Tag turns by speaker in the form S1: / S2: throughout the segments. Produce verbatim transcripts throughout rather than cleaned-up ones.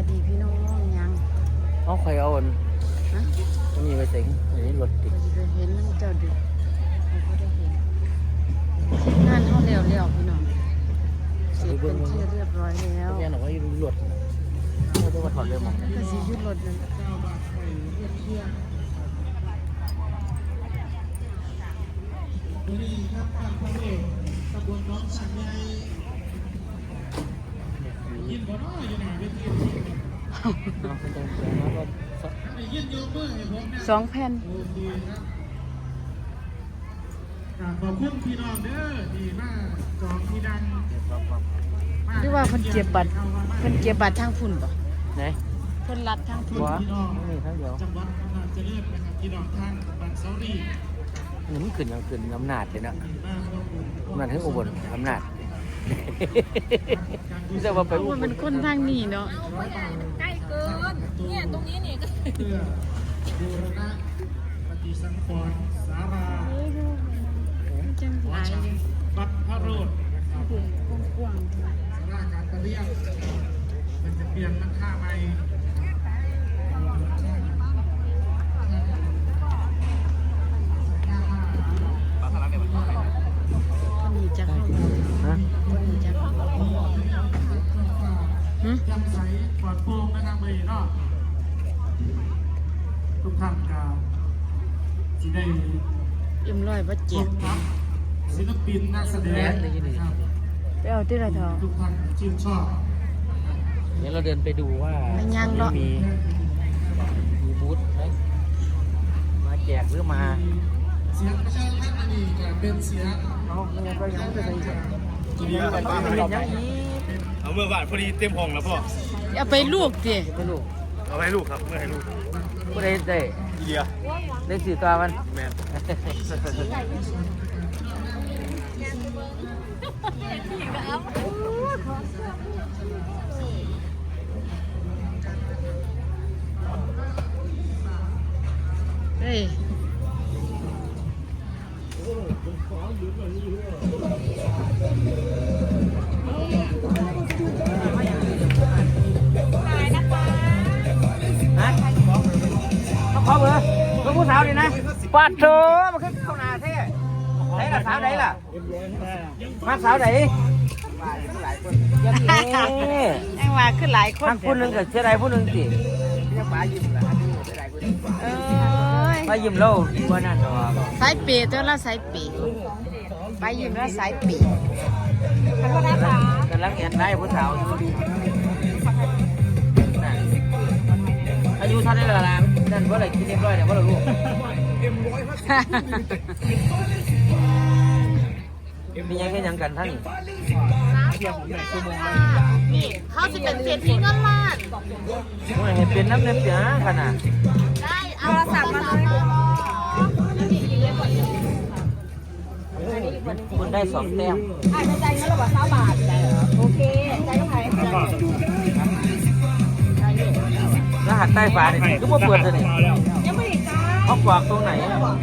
S1: ดีพี่น้องยัง
S2: เอาใครเอาอัน
S1: ฮะ
S2: มีไปสิงอันนี้รถติด
S1: เห็นนั่งเจ้าดึกเขาก็ได้เห็นงานเขาเร็วเร็วพี่น้องเสร็จเป็นที่เรียบร้อยแล้ว
S2: เนี่ยหนูว่าอยู่รถเขาจะมาถอดเรือมั้ง
S1: ก็สิยุดรถนั่นเรียบเที่ยงสองแผ่น
S3: ขอบคุณพี่น้องเด้อที่มาจองที่ดัง
S1: หรือว่าเพิ่นเก็บบัตรเพิ่นเก็บบัตรทางฝุ่นป่ะ
S2: ไหน
S1: เพิ่นรัดทางฝุ่น
S2: พี่น้องนี่ทั้งเดียว
S3: จังหวัดอำนาจเจริญนะครับพี่น้องทางบ้านเสาดี
S2: นี่มันขึ้นยังขึ้นอำนาจเลยนะอำนาจถึงอุบลอำนาจนี่จะว่าไปอุบล
S1: มันคนทางนี้เนาะ
S4: ใกล้เกินเนี่ยตรงนี้นี่ก็
S3: เพื่อบูรณะปฏิสังขรณ์สารา
S1: จังหวะ
S3: วัดพระโรธนะครับ
S1: กว้างๆ
S3: สาราการประเรียนมันจะเปลี่ยนมันค่าใหม่
S1: คนนี้จะเข้า
S2: ฮะ
S1: คนนี้จะเข้าฮะ
S3: ยังใสปลอดโปร่งนะครับเบย์เนาะทุกท่านกล่าวที่ได้
S1: เอ็มร้อยบ่เจ็บ
S3: ศิลปินนักแสดงนะครับ
S1: ไปเอาที่ไรเถอะ
S3: ทุกท่านชื่นชอบ
S2: เดี๋ยวเราเดินไปดูว่ามีมีบูธไหมมาแจกหรือมา
S3: เสียงประชาชนอันนี้จะเป็นเสียง
S2: เอาไม่งั้นก็ยังไม่ได้ใช่
S5: ทีนี้มันบ้านมันเอาเมื่อวานพอดีเต็มห้องแล้วพ่อ
S1: เอาไปลูกดิ
S2: ไปลูก
S5: เอาให้ลูกครับเมื่อให้ลูก
S2: ก็ได้ได้
S5: เดีย
S2: ได้สี่ตัวมัน
S5: แมน
S1: เฮ้ย
S2: ขอเบอร์ลูกผู้สาวดินะปัดโถมันขึ้นเข้านาเท่ไหนล่ะสาวไหนล่ะมาสาวไหนยังไง
S1: ยังว่าขึ้นหลายคน
S2: ทั้งผู้หนึ่งกับเชื่อใดผู้หนึ่งสิยังมายิ้มละ
S1: เอ้ย
S2: มายิ้มเราว่านั่นหรอ
S1: สายปีตัวละสายปีไปยิ้มแล้วสายปี
S2: กำลังเห็นได้ผู้สาวอยู่อายุเท่าไหร่ละล่ะนั่นว่าอะไรกินเรียบร้อยเนี่ยว่าเราลูกมียังแค่ยังกันท่าน
S4: นี่เขาจะเป็นเศรษฐีเงินล้าน
S2: ว่าเห็นเป็นน้ำเนื้อเปียขนาด
S4: ได้เอาโทรศัพท์มาเลย
S2: คุณได้สองแต้ม
S4: อ่านใจเงินระหว่างสามบาทโอเคใจก็หาย
S2: รหัสใต้ฝาเนี่ยก็มาเปิดเลยเนี่ย
S4: ยังไม่ได้จ้า
S2: เขากวากตรงไหน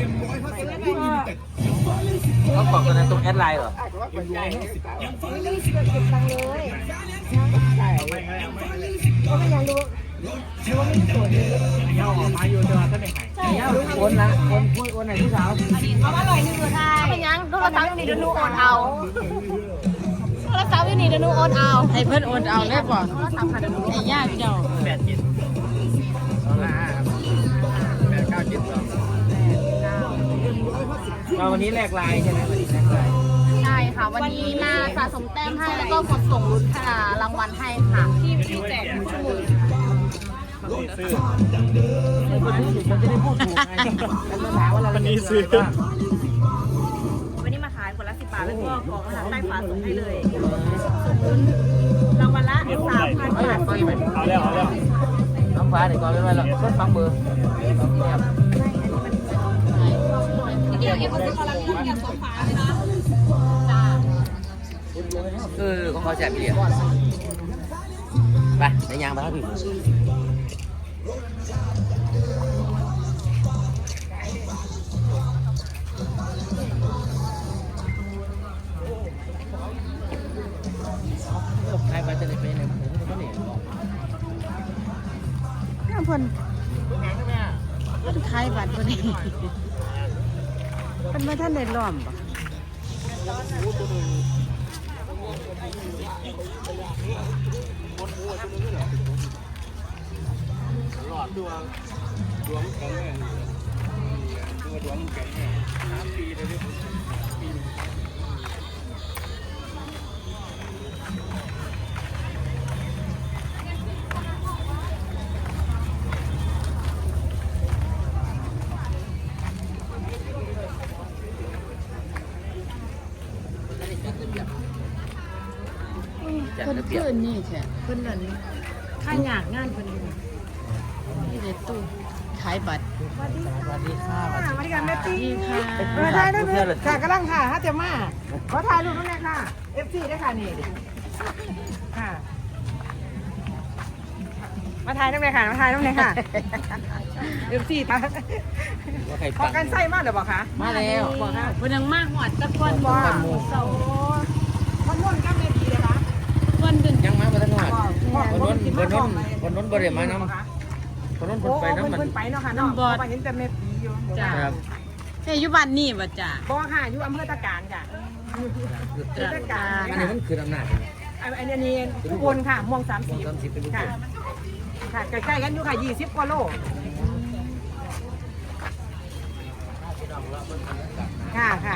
S2: เขากวากตรงไหนตรงแอดไลน์เหรอ
S4: ไม่ได้เก็บตังเลยใช่ก็ไม่ยังรู้รู้ว่าไม่สวยเลย
S3: เงาออกมาอยู่เจอท่านไหน
S4: ใช่
S2: โอนละโอนโอนไหนผู้สาว
S4: เอามาลอยหนึ่งเลยค่ะเป็นยังโทรศัพท์อยู่นี่เดี๋ยวนูโอนเอาโทรศัพท์อยู่นี่เดี๋ยวนูโอนเอา
S1: ให้เพิ่นโอนเอาเลยบ่ไอ้ยากเจ้า
S2: แปดเจ็ดแปดเก้าเจ็ดสองมาวันนี้แลกลายใช่ไหมวันนี้แลกลาย
S4: ใช่ค่ะวันนี้มาสะสมแต้มให้แล้วก็กดส่งลุ้นรางวัลให้ค่ะที่ที่แจกทุกชั่วโมง
S2: มันจะได้พูดถูกไง
S5: วันนี้ซื้อ
S4: วันนี้มาขายคนละสิบบาทแล้วก็กรอกรหัสใต้ฝาส่งให้เลยส่งลุ้นรางวัลละสามพันบาท
S5: เอาแล้วเอาแล้ว
S2: น้องฟ้าเดี๋ยวก่อนไม่ไหวหรอกต้นฟังเบอร์
S4: เดี๋ยวเอ็มก็จะกำลังยุ่งกับสองฝาเลยนะจ้า
S2: คือของเขาแจกพี่เดียวไปในยางไปครับพี่ใครไปจะได้ไปไหนผมก็ไม่ได้บอก
S1: เพิ่นเพิ่นขายบัตรบ่ได้เพิ่นบ่ทันได้ล้อมบ่
S5: หลอดดวงดวงแข็งแรงตัวดวงแข็งแรงสามปีเลยดิ
S1: เพิ่นคืออันนี้แท้เพิ่นนั่นค่าหยากงานเพิ่นนี่เด็ดตู้ขายบัตร
S2: สวัสดีค่ะ
S4: สวัสดีค่ะแม่ตี้
S1: ดีค่ะ
S4: เออถ่ายรูปด้วยค่ะกำลังค่ะฮะเจม่าขอถ่ายรูปด้วยค่ะ เอฟซีด้วยค่ะนี่ค่ะ มาถ่ายน้ำเลยค่ะ มาถ่ายน้ำเลยค่ะ เอฟซีค่ะพอกันไส้มากหรือเปล่าคะ
S1: มาแล้วบอกค่ะเพิ่นยังมาฮอดตะกอนบ่
S4: ว่าเสาคนนุ่นกับแม่ดีเลยคะ
S1: เพิ่นเดิน
S2: ยังมาบ่ทันหอด
S4: คนนุ่นคนนุ่น
S2: คนนู้นบ่ได้มานำคนนู้น
S4: โอ้
S2: เพิ่นไป
S4: โห
S2: นำมัน
S4: เพิ่นไปเนาะค่ะเนาะเพราะว่าเห็นแต่แม่ปีอยู่
S1: จ้า
S2: ครับ
S1: เฮ้ยอยู่บ้านนี่บ่จ้า
S4: บอกค่ะอยู่อำเภอตะการค่ะอำเภอตะการ
S2: อันนี้มันคืออำนาจ
S4: อันนี้อันนี้ทุกคนค่ะม่วงสามสิบ
S2: สามสิบเป็นลูก
S4: ค่ะ ค่ะใกล้ๆกันอยู่ค่ะยี่สิบกว่าโลค่ะค่ะ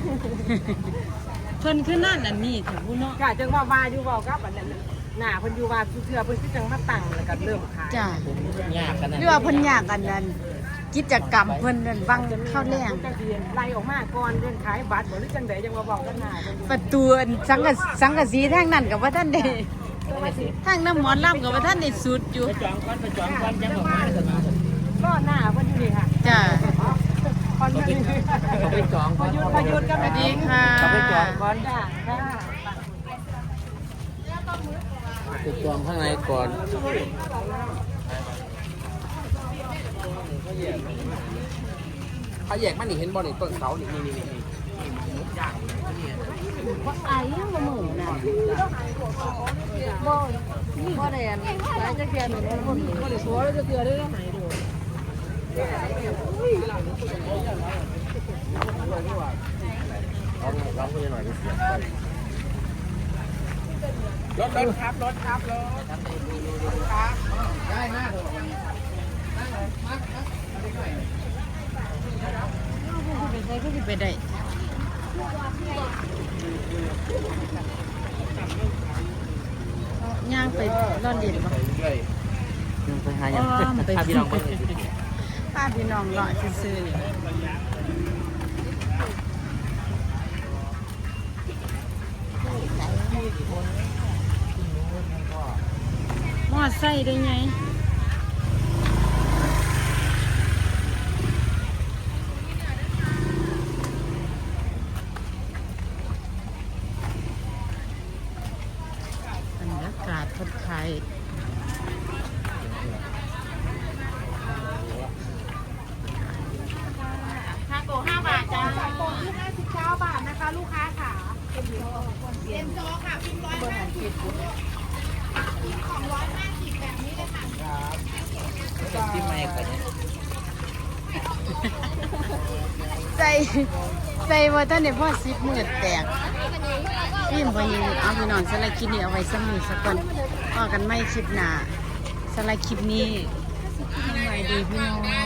S1: เพิ่นคือนั่นอันนี้ถึงผู้เนาะ
S4: ค่ะจังว่าว่าอยู่เว้ากับอันนั้นหน้าเพิ่นอยู่ว่าเทื่อเพิ่นคือจังมาตั้งแล้วก็เริ่มขาย
S1: จ้า
S2: ยากกันนะ
S1: หรือว่าเพิ่นอยากอันนั้นกิจกรรมเพิ่นนั่นบังเข้าแรง
S4: จังสิไล่ออกมาก่อนเรื่องขายบัตรบ่หรือจังใดจังว่าเว้ากันหน้าเพิ่น
S1: ประตูอันสังกะสังกะสีทางนั้นก็บ่ทันได้ทางน้ำหมอนลำก็บ่ทันได้สุดอยู่
S2: ไปจองก่อนไปจองก่อนจังออกมาเถอะ
S4: ก็หน้าเพิ่นอยู่นี่ค่ะ
S1: จ้า
S4: คอนเพิ่น
S2: เขาไปจอง
S4: พ
S2: ก่อน
S4: ยุดพยุดกัน
S1: สวัสดีค่ะ
S2: เขาไปจองก่อน
S4: จ้าค่ะ
S2: ไปจองข้างในก่อนเขาแยกมันนี่เห็นบ่นี่ต้นเสานี่นี่นี่นี่
S1: ไอ้ยังบ่มื้อน่ะบ่บ่ได้อันหลายจักเทื่อนี่บ่บ่ได้สัวจักเทื่อได้หายดู
S2: เอาเอาไปหน่อยดิรถรถครับรถครับรถครับได้มากเลย
S1: ไปใส่ก็สิไปได้ย่างไปรอดเรียนบ่
S2: ไปหายังพาพี่น้องไป
S1: พาพี่น้องเลาะซื่อๆนี่มอไซค์ได้ไงบรรยากาศคนไทย
S4: ค่าโตห้าบาทจ้าโตที่ห้าสิบเก้าบาทนะคะลูกค้าค่ะเอ็นโซค่ะพิมพ์ร้อยห้าสิบของร้อยห้าสิบแบบนี้เลยค่ะ
S2: ที่ไม่ก็ได้
S1: ใส่ใส่ว่าท่านเนี่ยพ่อสิบหมื่นแตกพี่มพยิงเอาพี่น้องสไลด์คลิปนี้เอาไว้สมือสักก่อนต่อกันไม่คลิปหน้าสไลด์คลิปนี้สบายดีพี่น้อง